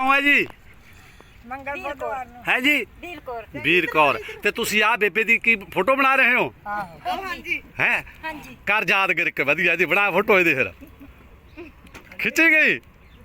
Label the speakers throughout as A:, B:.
A: ਹੈ ਜੀ
B: ਮੰਗਲ ਬੁੱਧਵਾਰ ਨੂੰ
A: ਹੈ ਜੀ ਵੀਰ ਕੌਰ ਤੇ ਤੁਸੀਂ ਆ ਬੇਬੇ ਦੀ ਕੀ ਫੋਟੋ ਬਣਾ ਰਹੇ ਹੋ?
B: ਹਾਂਜੀ
A: ਹੈ
B: ਹਾਂਜੀ
A: ਕਰ ਯਾਦ ਕਰਕੇ ਵਧੀਆ ਜੀ ਬਣਾ ਫੋਟੋ ਇਹਦੇ ਫਿਰ ਖਿੱਚੀ ਗਈ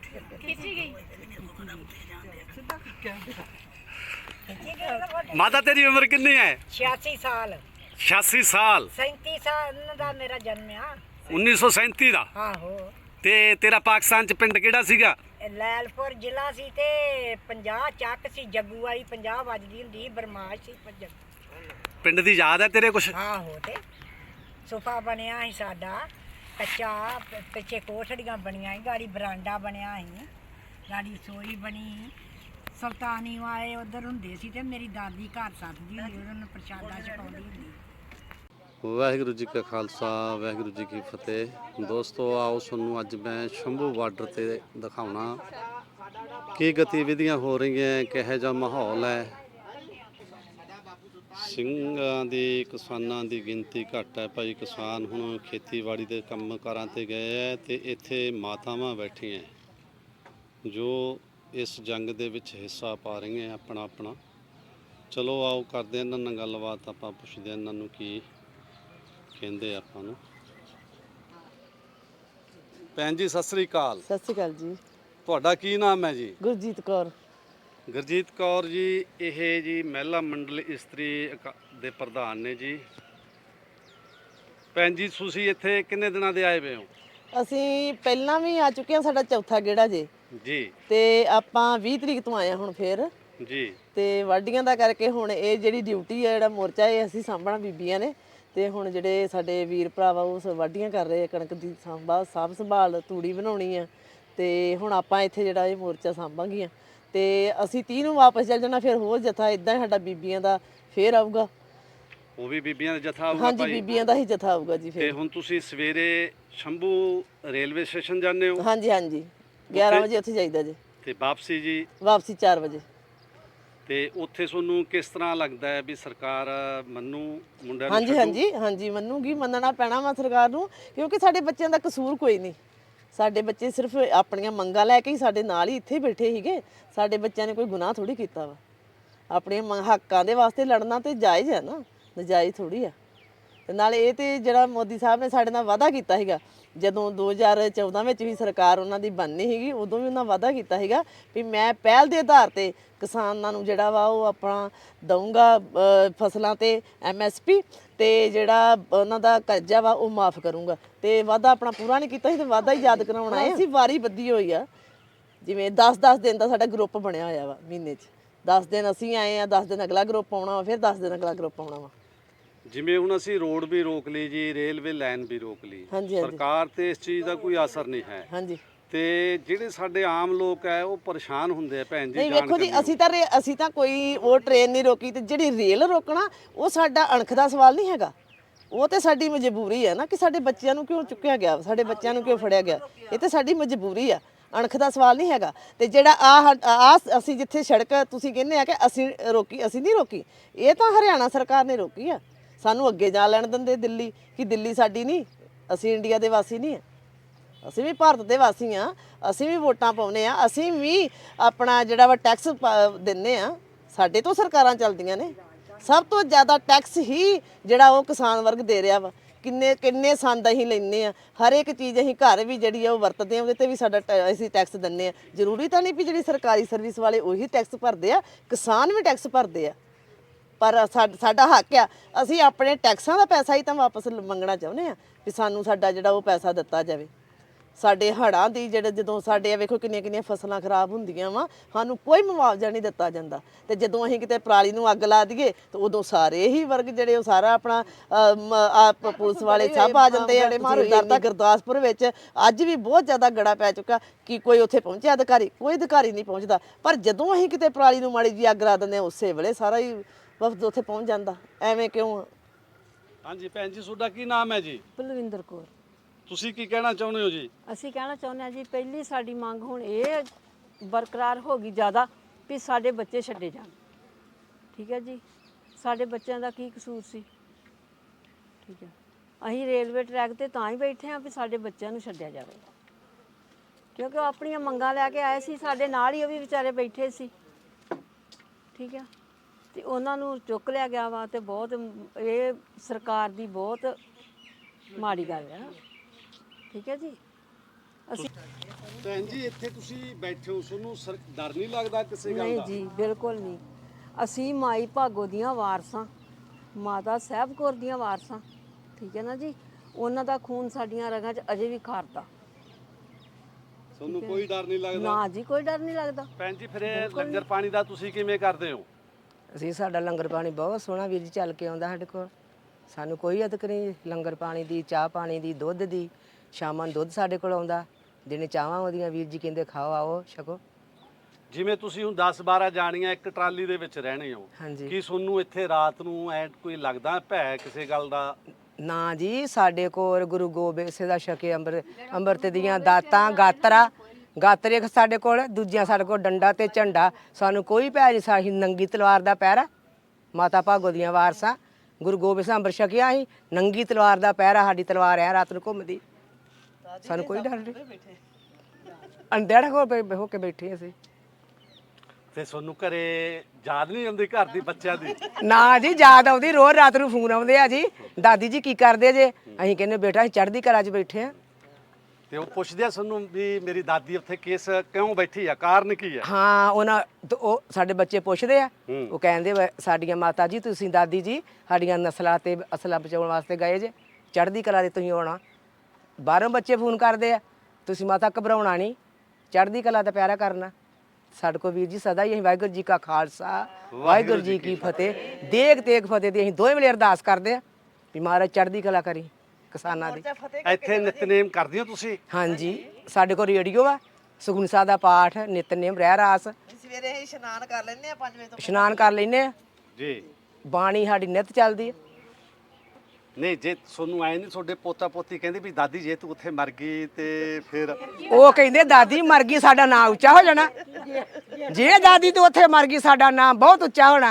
A: ਮਾਤਾ ਤੇਰੀ ਉਮਰ ਕਿੰਨੀ ਹੈ?
B: 86 ਸਾਲ
A: 86 ਸਾਲ
B: 37 ਸਾਲ ਦਾ ਮੇਰਾ ਜਨਮ ਆ
A: 1937 ਦਾ।
B: ਆਹੋ
A: ਤੇ ਤੇਰਾ ਪਾਕਿਸਤਾਨ ਚ ਪਿੰਡ ਕਿਹੜਾ ਸੀਗਾ?
B: ਲੈਲਪੁਰ ਜ਼ਿਲ੍ਹਾ ਸੀ ਤੇ 50 ਚੱਕ ਸੀ ਜੱਗੂ ਵਾਲੀ 50 ਵੱਜਦੀ ਹੁੰਦੀ ਬਰਮਾਸ਼ ਸੀ
A: ਪਿੰਡ ਦੀ ਯਾਦ ਹੈ ਤੇਰੇ ਕੁਛ?
B: ਆਹੋ ਤੇ ਸੋਫਾ ਬਣਿਆ ਸੀ ਸਾਡਾ ਕੱਚਾ ਪਿੱਛੇ ਕੋਠੜੀਆਂ ਬਣੀਆਂ ਸੀ ਗਾੜੀ ਬਰਾਂਡਾ ਬਣਿਆ ਸੀ ਗਾੜੀ ਰਸੋਈ ਬਣੀ ਸੁਲਤਾਨੀ ਵਾਲੇ ਉਧਰ ਹੁੰਦੇ ਸੀ ਤੇ ਮੇਰੀ ਦਾਦੀ ਘਰ ਸੱਦਦੀ ਹੁੰਦੀ ਉਹਨਾਂ ਨੂੰ ਪ੍ਰਸ਼ਾਦਾ ਛਕਾਉਂਦੀ ਹੁੰਦੀ।
A: ਵਾਹਿਗੁਰੂ ਜੀ ਕਾ ਖਾਲਸਾ ਵਾਹਿਗੁਰੂ ਜੀ ਕੀ ਫਤਿਹ। ਦੋਸਤੋ ਆਓ ਤੁਹਾਨੂੰ ਅੱਜ ਮੈਂ ਸ਼ੰਭੂ ਬਾਰਡਰ ਤੇ ਦਿਖਾਉਣਾ ਕੀ ਗਤੀਵਿਧੀਆਂ ਹੋ ਰਹੀਆਂ, ਕਿਹੋ ਜਿਹਾ ਮਾਹੌਲ ਹੈ। ਸਿੰਘਾਂ ਦੀ ਕਿਸਾਨਾਂ ਦੀ ਗਿਣਤੀ ਘੱਟ ਹੈ ਭਾਈ। ਕਿਸਾਨ ਹੁਣ ਖੇਤੀਬਾੜੀ ਦੇ ਕੰਮਕਾਰਾਂ ਤੇ ਗਏ ਹੈ ਤੇ ਇੱਥੇ ਮਾਤਾਵਾਂ ਬੈਠੀਆਂ ਜੋ ਇਸ ਜੰਗ ਦੇ ਵਿੱਚ ਹਿੱਸਾ ਪਾ ਰਹੀਆਂ ਆਪਣਾ ਆਪਣਾ। ਚਲੋ ਆਓ ਕਰਦੇ ਇਹਨਾਂ ਨਾਲ ਗੱਲਬਾਤ, ਆਪਾਂ ਪੁੱਛਦੇ ਇਹਨਾਂ ਨੂੰ ਕੀ ਕਹਿੰਦੇ ਆਪਾਂ ਨੂੰ। ਭੈਣ ਜੀ ਸਤਿ ਸ੍ਰੀ ਅਕਾਲ।
C: ਸਤਿ ਸ਼੍ਰੀ ਅਕਾਲ ਜੀ।
A: ਤੁਹਾਡਾ ਕੀ ਨਾਮ ਹੈ ਜੀ?
C: ਗੁਰਜੀਤ ਕੌਰ।
A: ਗੁਰਜੀਤ ਕੌਰ ਜੀ, ਇਹ ਜੀ ਮਹਿਲਾ ਮੰਡਲ ਇਸਤਰੀ ਦੇ ਪ੍ਰਧਾਨ ਨੇ ਜੀ। ਭੈਣ ਜੀ ਤੁਸੀਂ ਇੱਥੇ ਕਿੰਨੇ ਦਿਨਾਂ ਦੇ ਆਏ ਹੋਏ ਹੋ?
C: ਅਸੀਂ ਪਹਿਲਾਂ ਵੀ ਆ ਚੁੱਕੇ ਹਾਂ, ਸਾਡਾ ਚੌਥਾ ਗੇੜਾ ਜੇ
A: ਜੀ।
C: ਤੇ ਆਪਾਂ 20 ਤਰੀਕ ਤੋਂ ਆਏ ਹਾਂ ਹੁਣ ਫੇਰ
A: ਜੀ।
C: ਤੇ ਵਾਢੀਆਂ ਦਾ ਕਰਕੇ ਹੁਣ ਇਹ ਜਿਹੜੀ ਡਿਊਟੀ ਹੈ, ਜਿਹੜਾ ਮੋਰਚਾ ਇਹ ਅਸੀਂ ਸਾਂਭਣਾ ਬੀਬੀਆਂ ਨੇ। ਤੇ ਹੁਣ ਜਿਹੜੇ ਸਾਡੇ ਵੀਰ ਭਰਾਵਾ ਉਹ ਵਾਢੀਆਂ ਕਰ ਰਹੇ ਆ, ਕਣਕ ਦੀ ਸਾਂਭ ਸੰਭਾਲ, ਤੂੜੀ ਬਣਾਉਣੀ ਆ। ਤੇ ਹੁਣ ਆਪਾਂ ਇੱਥੇ ਜਿਹੜਾ ਇਹ ਮੋਰਚਾ ਸਾਂਭਾਂਗੀਆਂ ਤੇ ਅਸੀਂ 30 ਨੂੰ ਵਾਪਸ ਚੱਲ ਜਾਣਾ। ਫਿਰ ਹੋਰ ਜਥਾ ਇਦਾਂ ਹੀ ਸਾਡਾ ਬੀਬੀਆਂ ਦਾ ਫੇਰ ਆਊਗਾ।
A: ਉਹ ਵੀ ਬੀਬੀਆਂ ਦਾ ਜਥਾ ਆਊਗਾ?
C: ਹਾਂਜੀ ਬੀਬੀਆਂ ਦਾ ਹੀ ਜਥਾ ਆਊਗਾ ਜੀ।
A: ਤੇ
C: ਫਿਰ
A: ਹੁਣ ਤੁਸੀਂ ਸਵੇਰੇ ਸ਼ੰਭੂ ਰੇਲਵੇ ਸਟੇਸ਼ਨ ਜਾਂਦੇ ਹੋ?
C: ਹਾਂਜੀ ਹਾਂਜੀ 11 ਵਜੇ ਉੱਥੇ ਜਾਈਦਾ ਜੀ
A: ਤੇ ਵਾਪਸੀ ਜੀ?
C: ਵਾਪਸੀ 4 ਵਜੇ।
A: ਤੇ ਉੱਥੇ ਤੁਹਾਨੂੰ ਕਿਸ ਤਰ੍ਹਾਂ ਲੱਗਦਾ ਹੈ ਵੀ ਸਰਕਾਰ ਮੰਨੂ ਮੁੰਡਿਆਂ ਨੂੰ?
C: ਹਾਂਜੀ ਹਾਂਜੀ ਹਾਂਜੀ ਮੰਨੂਗੀ, ਮੰਨਣਾ ਪੈਣਾ ਵਾ ਸਰਕਾਰ ਨੂੰ, ਕਿਉਂਕਿ ਸਾਡੇ ਬੱਚਿਆਂ ਦਾ ਕਸੂਰ ਕੋਈ ਨਹੀਂ। ਸਾਡੇ ਬੱਚੇ ਸਿਰਫ ਆਪਣੀਆਂ ਮੰਗਾਂ ਲੈ ਕੇ ਹੀ ਸਾਡੇ ਨਾਲ ਹੀ ਇੱਥੇ ਬੈਠੇ ਸੀਗੇ। ਸਾਡੇ ਬੱਚਿਆਂ ਨੇ ਕੋਈ ਗੁਨਾਹ ਥੋੜੀ ਕੀਤਾ ਵਾ। ਆਪਣੇ ਹੱਕਾਂ ਦੇ ਵਾਸਤੇ ਲੜਨਾ ਤੇ ਜਾਇਜ਼ ਹੈ ਨਾ, ਨਜਾਇਜ਼ ਥੋੜੀ ਆ। ਤੇ ਨਾਲੇ ਇਹ ਤੇ ਜਿਹੜਾ ਮੋਦੀ ਸਾਹਿਬ ਨੇ ਸਾਡੇ ਨਾਲ ਵਾਅਦਾ ਕੀਤਾ ਸੀਗਾ, ਜਦੋਂ 2014 ਵਿੱਚ ਵੀ ਸਰਕਾਰ ਉਹਨਾਂ ਦੀ ਬਣਨੀ ਸੀਗੀ, ਉਦੋਂ ਵੀ ਉਹਨਾਂ ਵਾਅਦਾ ਕੀਤਾ ਸੀਗਾ ਵੀ ਮੈਂ ਪਹਿਲ ਦੇ ਆਧਾਰ ਤੇ ਕਿਸਾਨਾਂ ਨੂੰ ਜਿਹੜਾ ਵਾ ਉਹ ਆਪਣਾ ਦਊਂਗਾ ਫਸਲਾਂ ਤੇ MSP ਤੇ ਜਿਹੜਾ ਉਹਨਾਂ ਦਾ ਕਰਜ਼ਾ ਵਾ ਉਹ ਮਾਫ ਕਰੂੰਗਾ। ਤੇ ਵਾਅਦਾ ਆਪਣਾ ਪੂਰਾ ਨਹੀਂ ਕੀਤਾ ਸੀ ਤੇ ਵਾਅਦਾ ਹੀ ਯਾਦ ਕਰਾਉਣਾ ਹੈ। ਅਸੀਂ ਵਾਰੀ ਬੱਧੀ ਹੋਈ ਆ, ਜਿਵੇਂ 10-10 ਦਿਨ ਦਾ ਸਾਡਾ ਗਰੁੱਪ ਬਣਿਆ ਹੋਇਆ ਵਾ। ਮਹੀਨੇ 'ਚ 10 ਦਿਨ ਅਸੀਂ ਆਏ ਆ, 10 ਦਿਨ ਅਗਲਾ ਗਰੁੱਪ ਆਉਣਾ ਵਾ, ਫਿਰ 10 ਦਿਨ ਅਗਲਾ ਗਰੁੱਪ ਆਉਣਾ ਵਾ।
A: ਜਿਵੇਂ ਹੁਣ ਅਸੀਂ ਰੋਡ ਵੀ ਰੋਕ ਲਈ ਜੀ, ਰੇਲਵੇ ਲਾਈਨ ਵੀ ਰੋਕ ਲਈ, ਸਰਕਾਰ ਤੇ ਇਸ ਚੀਜ਼ ਦਾ ਕੋਈ ਅਸਰ ਨਹੀਂ ਹੈ।
C: ਹਾਂਜੀ।
A: ਤੇ ਜਿਹੜੇ ਸਾਡੇ ਆਮ ਲੋਕ ਹੈ ਉਹ ਪਰੇਸ਼ਾਨ ਹੁੰਦੇ ਆ ਭੈਣ ਜੀ।
C: ਨਹੀਂ ਵੇਖੋ ਜੀ, ਅਸੀਂ ਤਾਂ ਕੋਈ ਉਹ ਟ੍ਰੇਨ ਨਹੀਂ ਰੋਕੀ ਤੇ ਜਿਹੜੀ ਰੇਲ ਰੋਕਣਾ ਉਹ ਸਾਡਾ ਅਣਖ ਦਾ ਸਵਾਲ ਨਹੀਂ ਹੈਗਾ। ਉਹ ਤੇ ਸਾਡੀ ਮਜਬੂਰੀ ਹੈ ਨਾ ਕਿ ਸਾਡੇ ਬੱਚਿਆਂ ਨੂੰ ਕਿਉਂ ਚੁੱਕਿਆ ਗਿਆ, ਸਾਡੇ ਬੱਚਿਆਂ ਨੂੰ ਕਿਉਂ ਫੜਿਆ ਗਿਆ। ਇਹ ਤੇ ਸਾਡੀ ਮਜਬੂਰੀ ਆ, ਅਣਖ ਦਾ ਸਵਾਲ ਨਹੀਂ ਹੈਗਾ। ਤੇ ਜਿਹੜਾ ਆ ਅਸੀਂ ਜਿੱਥੇ ਸੜਕ ਤੁਸੀਂ ਕਹਿੰਦੇ ਆ ਕਿ ਅਸੀਂ ਰੋਕੀ, ਅਸੀਂ ਨਹੀਂ ਰੋਕੀ। ਇਹ ਤਾਂ ਹਰਿਆਣਾ ਸਰਕਾਰ ਨੇ ਰੋਕੀ ਆ। ਸਾਨੂੰ ਅੱਗੇ ਜਾ ਲੈਣ ਦਿੰਦੇ ਦਿੱਲੀ, ਕਿ ਦਿੱਲੀ ਸਾਡੀ ਨਹੀਂ, ਅਸੀਂ ਇੰਡੀਆ ਦੇ ਵਾਸੀ ਨਹੀਂ ਆ, ਅਸੀਂ ਵੀ ਭਾਰਤ ਦੇ ਵਾਸੀ ਆ। ਅਸੀਂ ਵੀ ਵੋਟਾਂ ਪਾਉਂਦੇ ਆ, ਅਸੀਂ ਵੀ ਆਪਣਾ ਜਿਹੜਾ ਵਾ ਟੈਕਸ ਦਿੰਦੇ ਆ। ਸਾਡੇ ਤੋਂ ਸਰਕਾਰਾਂ ਚੱਲਦੀਆਂ ਨੇ। ਸਭ ਤੋਂ ਜ਼ਿਆਦਾ ਟੈਕਸ ਹੀ ਜਿਹੜਾ ਉਹ ਕਿਸਾਨ ਵਰਗ ਦੇ ਰਿਹਾ ਵਾ। ਕਿੰਨੇ ਸੰਦ ਅਸੀਂ ਲੈਂਦੇ ਆ, ਹਰ ਇੱਕ ਚੀਜ਼ ਅਸੀਂ ਘਰ ਵੀ ਜਿਹੜੀ ਆ ਉਹ ਵਰਤਦੇ ਆ, ਉਹਦੇ ਤੇ ਵੀ ਸਾਡਾ ਅਸੀਂ ਟੈਕਸ ਦਿੰਦੇ ਆ। ਜ਼ਰੂਰੀ ਤਾਂ ਨਹੀਂ ਵੀ ਜਿਹੜੀ ਸਰਕਾਰੀ ਸਰਵਿਸ ਵਾਲੇ ਉਹੀ ਟੈਕਸ ਭਰਦੇ ਆ, ਕਿਸਾਨ ਵੀ ਟੈਕਸ ਭਰਦੇ ਆ। ਪਰ ਸਾਡਾ ਹੱਕ ਆ, ਅਸੀਂ ਆਪਣੇ ਟੈਕਸਾਂ ਦਾ ਪੈਸਾ ਹੀ ਤਾਂ ਵਾਪਸ ਮੰਗਣਾ ਚਾਹੁੰਦੇ ਆ ਵੀ ਸਾਨੂੰ ਸਾਡਾ ਜਿਹੜਾ ਉਹ ਪੈਸਾ ਦਿੱਤਾ ਜਾਵੇ। ਸਾਡੇ ਹੜ੍ਹਾਂ ਦੀ ਜਦੋਂ ਸਾਡੇ ਵੇਖੋ ਕਿੰਨੀਆਂ ਫਸਲਾਂ ਖਰਾਬ ਹੁੰਦੀਆਂ ਵਾ, ਸਾਨੂੰ ਕੋਈ ਮੁਆਵਜ਼ਾ ਨਹੀਂ ਦਿੱਤਾ ਜਾਂਦਾ। ਤੇ ਜਦੋਂ ਅਸੀਂ ਕਿਤੇ ਪਰਾਲੀ ਨੂੰ ਅੱਗ ਲਾ ਦਈਏ ਤਾਂ ਉਦੋਂ ਸਾਰੇ ਹੀ ਵਰਗ ਜਿਹੜੇ ਉਹ ਸਾਰਾ ਆਪਣਾ ਪੁਲਿਸ ਵਾਲੇ ਸਭ ਆ ਜਾਂਦੇ ਆ। ਤਾਂ ਗੁਰਦਾਸਪੁਰ ਵਿੱਚ ਅੱਜ ਵੀ ਬਹੁਤ ਜ਼ਿਆਦਾ ਗੜਾ ਪੈ ਚੁੱਕਾ ਕਿ ਕੋਈ ਉੱਥੇ ਪਹੁੰਚਿਆ ਅਧਿਕਾਰੀ, ਕੋਈ ਅਧਿਕਾਰੀ ਨਹੀਂ ਪਹੁੰਚਦਾ। ਪਰ ਜਦੋਂ ਅਸੀਂ ਕਿਤੇ ਪਰਾਲੀ ਨੂੰ ਮਾੜੀ ਜਿਹੀ ਅੱਗ ਲਾ ਦਿੰਦੇ ਹਾਂ, ਉਸੇ ਵੇਲੇ ਸਾਰਾ ਹੀ ਵਫਦ ਉੱਥੇ ਪਹੁੰਚ ਜਾਂਦਾ। ਐਵੇਂ ਕਿਉਂ?
A: ਹਾਂਜੀ ਭੈਣ ਜੀ, ਤੁਹਾਡਾ ਕੀ ਨਾਮ ਹੈ ਜੀ?
D: ਬਲਵਿੰਦਰ ਕੌਰ।
A: ਤੁਸੀਂ ਕੀ ਕਹਿਣਾ ਚਾਹੁੰਦੇ ਹੋ ਜੀ?
D: ਅਸੀਂ ਕਹਿਣਾ ਚਾਹੁੰਦੇ ਹਾਂ ਜੀ, ਪਹਿਲੀ ਸਾਡੀ ਮੰਗ ਹੁਣ ਇਹ ਬਰਕਰਾਰ ਹੋ ਗਈ ਜ਼ਿਆਦਾ ਵੀ ਸਾਡੇ ਬੱਚੇ ਛੱਡੇ ਜਾਣ। ਠੀਕ ਹੈ ਜੀ, ਸਾਡੇ ਬੱਚਿਆਂ ਦਾ ਕੀ ਕਸੂਰ ਸੀ? ਠੀਕ ਹੈ, ਅਸੀਂ ਰੇਲਵੇ ਟਰੈਕ ਤੇ ਤਾਂ ਹੀ ਬੈਠੇ ਹਾਂ ਵੀ ਸਾਡੇ ਬੱਚਿਆਂ ਨੂੰ ਛੱਡਿਆ ਜਾਵੇ। ਕਿਉਂਕਿ ਉਹ ਆਪਣੀਆਂ ਮੰਗਾਂ ਲੈ ਕੇ ਆਏ ਸੀ, ਸਾਡੇ ਨਾਲ ਹੀ ਉਹ ਵੀ ਵਿਚਾਰੇ ਬੈਠੇ ਸੀ। ਠੀਕ ਆ, ਤੇ ਉਹਨਾਂ ਨੂੰ ਚੁੱਕ ਲਿਆ ਗਿਆ ਵਾ, ਤੇ ਬਹੁਤ ਇਹ ਸਰਕਾਰ ਦੀ ਬਹੁਤ ਮਾੜੀ ਗੱਲ ਹੈ। ਠੀਕ ਹੈ ਜੀ। ਅਸੀਂ
A: ਭੈਣ ਜੀ ਇੱਥੇ ਤੁਸੀਂ ਬੈਠੇ ਹੋ, ਤੁਹਾਨੂੰ ਡਰ ਨਹੀਂ ਲੱਗਦਾ ਕਿਸੇ ਗੱਲ
D: ਨਹੀਂ
A: ਦਾ?
D: ਜੀ, ਬਿਲਕੁਲ ਨਹੀਂ। ਅਸੀਂ ਮਾਈ ਭਾਗੋ ਦੀਆਂ ਵਾਰਸਾਂ, ਮਾਤਾ ਸਾਹਿਬ ਕੌਰ ਦੀਆਂ ਵਾਰਸਾਂ। ਠੀਕ ਹੈ ਨਾ ਜੀ। ਉਹਨਾਂ ਦਾ ਖੂਨ ਸਾਡੀਆਂ ਰਗਾਂ 'ਚ ਅਜੇ ਵੀ ਖਾਰਦਾ।
A: ਤੁਹਾਨੂੰ ਕੋਈ ਡਰ ਨਹੀਂ ਲੱਗਦਾ?
D: ਨਾ ਜੀ, ਕੋਈ ਡਰ ਨਹੀਂ ਲੱਗਦਾ।
A: ਭੈਣ ਜੀ ਫਿਰ ਇਹ ਲੰਗਰ ਪਾਣੀ ਦਾ ਤੁਸੀਂ ਕਿਵੇਂ ਕਰਦੇ ਹੋ?
E: ਅਸੀਂ ਸਾਡਾ ਲੰਗਰ ਪਾਣੀ ਬਹੁਤ ਸੋਹਣਾ ਵੀਰ ਜੀ ਚੱਲ ਕੇ ਆਉਂਦਾ ਸਾਡੇ ਕੋਲ। ਸਾਨੂੰ ਕੋਈ ਅਦਕ ਨਹੀਂ ਲੰਗਰ ਪਾਣੀ ਦੀ, ਚਾਹ ਪਾਣੀ ਦੀ, ਦੁੱਧ ਦੀ। ਸ਼ਾਮਾਂ ਨੂੰ ਦੁੱਧ ਸਾਡੇ ਕੋਲ ਆਉਂਦਾ, ਦਿਨੇ ਚਾਹਾਂ ਉਹਦੀਆਂ ਵੀਰ ਜੀ ਕਹਿੰਦੇ ਖਾਓ ਆਓ ਛਕੋ।
A: ਜਿਵੇਂ ਤੁਸੀਂ ਹੁਣ 10-12 ਜਾਣੀਆਂ ਇੱਕ ਟਰਾਲੀ ਦੇ ਵਿੱਚ ਰਹਿਣੇ ਹੋ,
E: ਹਾਂਜੀ।
A: ਕੀ ਤੁਹਾਨੂੰ ਇੱਥੇ ਰਾਤ ਨੂੰ ਐ ਕੋਈ ਲੱਗਦਾ ਭੈ ਕਿਸੇ ਗੱਲ ਦਾ?
E: ਨਾ ਜੀ, ਸਾਡੇ ਕੋਲ ਗੁਰੂ ਗੋਬਿੰਦ ਸਿੰਘ ਦਾ ਛਕੇ ਅੰਮ੍ਰਿਤ ਦੀਆਂ ਦਾਤਾਂ, ਗਾਤਰੇ ਸਾਡੇ ਕੋਲ, ਦੂਜਿਆਂ ਸਾਡੇ ਕੋਲ ਡੰਡਾ ਤੇ ਝੰਡਾ। ਸਾਨੂੰ ਕੋਈ ਭੈ ਨਹੀਂ। ਸਾਹੀ ਨੰਗੀ ਤਲਵਾਰ ਦਾ ਪਹਿਰਾ, ਮਾਤਾ ਭਾਗੋ ਦੀਆਂ ਵਾਰਸਾਂ, ਗੁਰੂ ਗੋਬਿੰਦ ਸਿੰਘ ਅੰਮ੍ਰਿਤ ਛਕਿਆ ਅਸੀਂ, ਨੰਗੀ ਤਲਵਾਰ ਦਾ ਪਹਿਰਾ। ਸਾਡੀ ਤਲਵਾਰ ਐ ਰਾਤ ਨੂੰ ਘੁੰਮਦੀ, ਸਾਨੂੰ ਕੋਈ ਡਰ ਨਹੀਂ। ਅੰਧੇੜਾ ਹੋ ਕੇ ਬੈਠੇ ਅਸੀਂ।
A: ਤੇ ਤੁਹਾਨੂੰ ਘਰੇ ਯਾਦ ਨਹੀਂ ਆਉਂਦੀ ਘਰ ਦੀ ਬੱਚਿਆਂ ਦੀ?
E: ਨਾ ਜੀ, ਯਾਦ ਆਉਂਦੀ। ਰੋਜ਼ ਰਾਤ ਨੂੰ ਫੋਨ ਆਉਂਦੇ ਆ ਜੀ, ਦਾਦੀ ਜੀ ਕੀ ਕਰਦੇ ਜੇ? ਅਸੀਂ ਕਹਿੰਦੇ ਬੇਟਾ ਅਸੀਂ ਚੜ੍ਹਦੀ ਕਲਾ 'ਚ ਬੈਠੇ ਆ।
A: ਤੇ ਉਹ ਪੁੱਛਦੇ ਆ ਤੁਹਾਨੂੰ ਵੀ ਮੇਰੀ ਦਾਦੀ ਉੱਥੇ ਕਿਸ ਕਿਉਂ ਬੈਠੀ ਆ, ਕਾਰਨ ਕੀ ਆ?
E: ਹਾਂ, ਉਹ ਸਾਡੇ ਬੱਚੇ ਪੁੱਛਦੇ ਆ। ਉਹ ਕਹਿੰਦੇ ਸਾਡੀਆਂ ਮਾਤਾ ਜੀ, ਤੁਸੀਂ ਦਾਦੀ ਜੀ ਸਾਡੀਆਂ ਨਸਲਾਂ ਤੇ ਅਸਲਾਂ ਬਚਾਉਣ ਵਾਸਤੇ ਗਏ ਜੇ, ਚੜ੍ਹਦੀ ਕਲਾ ਦੇ ਤੁਸੀਂ ਆਉਣਾ। ਬਾਹਰੋਂ ਬੱਚੇ ਫੋਨ ਕਰਦੇ ਆ, ਤੁਸੀਂ ਮਾਤਾ ਘਬਰਾਉਣਾ ਨਹੀਂ, ਚੜ੍ਹਦੀ ਕਲਾ ਦਾ ਪਿਆਰਾ ਕਰਨਾ। ਸਾਡੇ ਕੋਲ ਵੀਰ ਜੀ ਸਦਾ ਹੀ ਅਸੀਂ ਵਾਹਿਗੁਰੂ ਜੀ ਕਾ ਖਾਲਸਾ ਵਾਹਿਗੁਰੂ ਜੀ ਕੀ ਫਤਿਹ, ਦੇਗ ਤੇਗ ਫਤਿਹ ਦੀ ਅਸੀਂ ਦੋਵੇਂ ਵੇਲੇ ਅਰਦਾਸ ਕਰਦੇ ਆ ਵੀ ਮਹਾਰਾਜ ਚੜ੍ਹਦੀ ਕਲਾ ਕਰੀ ਕਿਸਾਨਾਂ ਦੀ।
A: ਇੱਥੇ ਨਿਤਨੇਮ ਕਰਦੇ ਹੋ ਤੁਸੀਂ?
E: ਹਾਂਜੀ, ਸਾਡੇ ਕੋਲ ਰੇਡੀਓ ਆ, ਸੁਖਮਨੀ ਸਾਹਿਬ ਦਾ ਪਾਠ, ਨਿਤਨੇਮ, ਰਹਿ ਰਾਸ।
C: ਸਵੇਰੇ ਅਸੀਂ ਇਸ਼ਨਾਨ ਕਰ ਲੈਂਦੇ ਆ 5 ਵਜੇ ਤੋਂ।
E: ਇਸ਼ਨਾਨ ਕਰ ਲੈਨੇ ਆ
A: ਜੀ।
E: ਬਾਣੀ ਸਾਡੀ ਨਿਤ ਚੱਲਦੀ ਆ।
A: ਨਹੀਂ, ਜੇ ਤੁਹਾਨੂੰ ਆਏ ਨਹੀਂ ਤੁਹਾਡੇ ਪੋਤਾ ਪੋਤੀ ਕਹਿੰਦੇ ਵੀ ਦਾਦੀ ਜੇ ਤੂੰ ਉੱਥੇ ਮਰ ਗਈ ਤੇ ਫਿਰ?
E: ਉਹ ਕਹਿੰਦੇ ਦਾਦੀ ਮਰ ਗਈ ਸਾਡਾ ਨਾਂ ਉੱਚਾ ਹੋ ਜਾਣਾ, ਜੇ ਦਾਦੀ ਤੂੰ ਉੱਥੇ ਮਰ ਗਈ ਸਾਡਾ ਨਾਂ ਬਹੁਤ ਉੱਚਾ ਹੋਣਾ।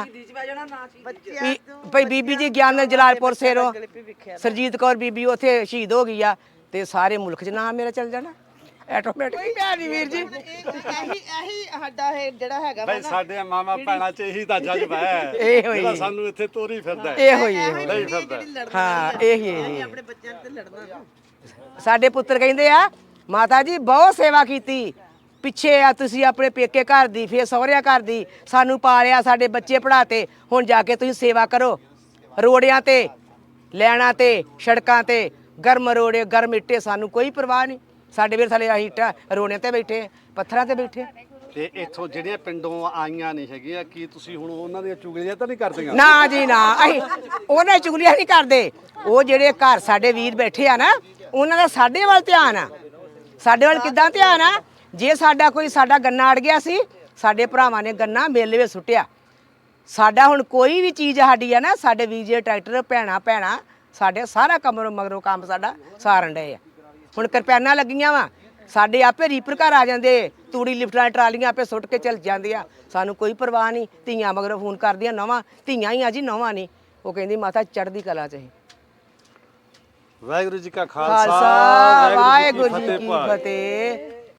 E: ਭਈ ਬੀਬੀ ਜੀ ਗਿਆਨ ਜਲਾਲਪੁਰ ਸੇਰੋਂ ਸਰਜੀਤ ਕੌਰ ਬੀਬੀ ਉੱਥੇ ਸ਼ਹੀਦ ਹੋ ਗਈ ਆ, ਤੇ ਸਾਰੇ ਮੁਲਕ 'ਚ ਨਾਂ ਮੇਰਾ ਚੱਲ ਜਾਣਾ ਆਟੋਮੈਟਿਕ। ਪਿਆਰੀ ਵੀਰ ਜੀ,
C: ਇਹੀ ਸਾਡਾ ਇਹ ਜਿਹੜਾ ਹੈਗਾ
A: ਬਈ ਸਾਡੇ ਮਾਮਾ ਭੈਣਾਂ 'ਚ ਇਹੀ ਤਾਂ ਜਜ਼ਬਾ ਹੈ
E: ਇਹੋ ਹੀ।
A: ਜਿਹੜਾ ਸਾਨੂੰ ਇੱਥੇ ਤੋਰੀ ਫਿਰਦਾ ਹੈ।
E: ਇਹੋ ਹੀ
A: ਨਹੀਂ ਫਿਰਦਾ।
E: ਹਾਂ, ਇਹੀ
C: ਆਪਣੇ ਬੱਚਿਆਂ ਤੇ ਲੜਨਾ।
E: ਸਾਡੇ ਪੁੱਤਰ ਕਹਿੰਦੇ ਆ ਮਾਤਾ ਜੀ ਬਹੁਤ ਸੇਵਾ ਕੀਤੀ, ਪਿੱਛੇ ਆ ਤੁਸੀਂ ਆਪਣੇ ਪੇਕੇ ਘਰ ਦੀ, ਫੇਰ ਸਹੁਰਿਆਂ ਘਰ ਦੀ, ਸਾਨੂੰ ਪਾਲਿਆ, ਸਾਡੇ ਬੱਚੇ ਪੜ੍ਹਾਤੇ, ਹੁਣ ਜਾ ਕੇ ਤੁਸੀਂ ਸੇਵਾ ਕਰੋ। ਰੋੜਿਆਂ ਤੇ, ਲੈਣਾ ਤੇ, ਸੜਕਾਂ ਤੇ, ਗਰਮ ਰੋੜੇ, ਗਰਮ ਇੱਟੇ, ਸਾਨੂੰ ਕੋਈ ਪਰਵਾਹ ਨਹੀਂ। ਸਾਡੇ ਵੀਰ ਥਲੇ ਅਸੀਂ ਇੱਟਾਂ ਰੋੜਿਆਂ ਤੇ ਬੈਠੇ, ਪੱਥਰਾਂ ਤੇ ਬੈਠੇ।
A: ਤੇ ਇੱਥੋਂ ਜਿਹੜੀਆਂ ਪਿੰਡੋਂ ਆਈਆਂ ਨਹੀਂ ਹੈਗੀਆਂ, ਕੀ ਤੁਸੀਂ ਹੁਣ ਉਹਨਾਂ ਦੀਆਂ ਚੁਗਲੀਆਂ ਤਾਂ ਨਹੀਂ ਕਰਦੀਆਂ?
E: ਨਾ ਜੀ ਨਾ, ਅਸੀਂ ਉਹਨਾਂ ਚੁਗਲੀਆਂ ਨਹੀਂ ਕਰਦੇ। ਉਹ ਜਿਹੜੇ ਘਰ ਸਾਡੇ ਵੀਰ ਬੈਠੇ ਆ ਨਾ, ਉਹਨਾਂ ਦਾ ਸਾਡੇ ਵੱਲ ਧਿਆਨ ਆ। ਸਾਡੇ ਵੱਲ ਕਿੱਦਾਂ ਧਿਆਨ ਆ? ਜੇ ਸਾਡਾ ਗੰਨਾ ਅੜ ਗਿਆ ਸੀ, ਸਾਡੇ ਭਰਾਵਾਂ ਨੇ ਗੰਨਾ ਮੇਲੇ ਵਿੱਚ ਸੁੱਟਿਆ। ਸਾਡਾ ਹੁਣ ਕੋਈ ਵੀ ਚੀਜ਼ ਸਾਡੀ ਆ ਨਾ, ਸਾਡੇ ਵੀਰ ਜੀ ਟਰੈਕਟਰ ਭੈਣਾ ਸਾਡੇ ਸਾਰਾ ਮਗਰੋਂ ਕੰਮ ਸਾਡਾ ਸਾਰਨ ਡਏ ਆ। ਹੁਣ ਕਿਰਪਾਨਾਂ ਲੱਗੀਆਂ ਵਾ, ਸਾਡੇ ਆਪੇ ਰੀਪਰ ਘਰ ਆ ਜਾਂਦੇ, ਤੂੜੀ ਲਿਫਟਾਂ ਟਰਾਲੀਆਂ ਆਪੇ ਸੁੱਟ ਕੇ ਚੱਲ ਜਾਂਦੇ ਆ, ਸਾਨੂੰ ਕੋਈ ਪਰਵਾਹ ਨਹੀਂ। ਧੀਆਂ ਮਗਰੋਂ ਫੋਨ ਕਰਦੀਆਂ, ਨਵਾਂ ਧੀਆਂ ਹੀ ਆ ਜੀ, ਨਵਾਂ ਨਹੀਂ। ਉਹ ਕਹਿੰਦੀ ਮਾਤਾ ਚੜ੍ਹਦੀ ਕਲਾ 'ਚ ਅਸੀਂ।
A: ਵਾਹਿਗੁਰੂ ਜੀ ਕਾ
E: ਖਾਲਸਾ
A: ਖਾਲਸਾ
E: ਵਾਹਿਗੁਰੂ ਜੀ ਕੀ ਫਤਿਹ।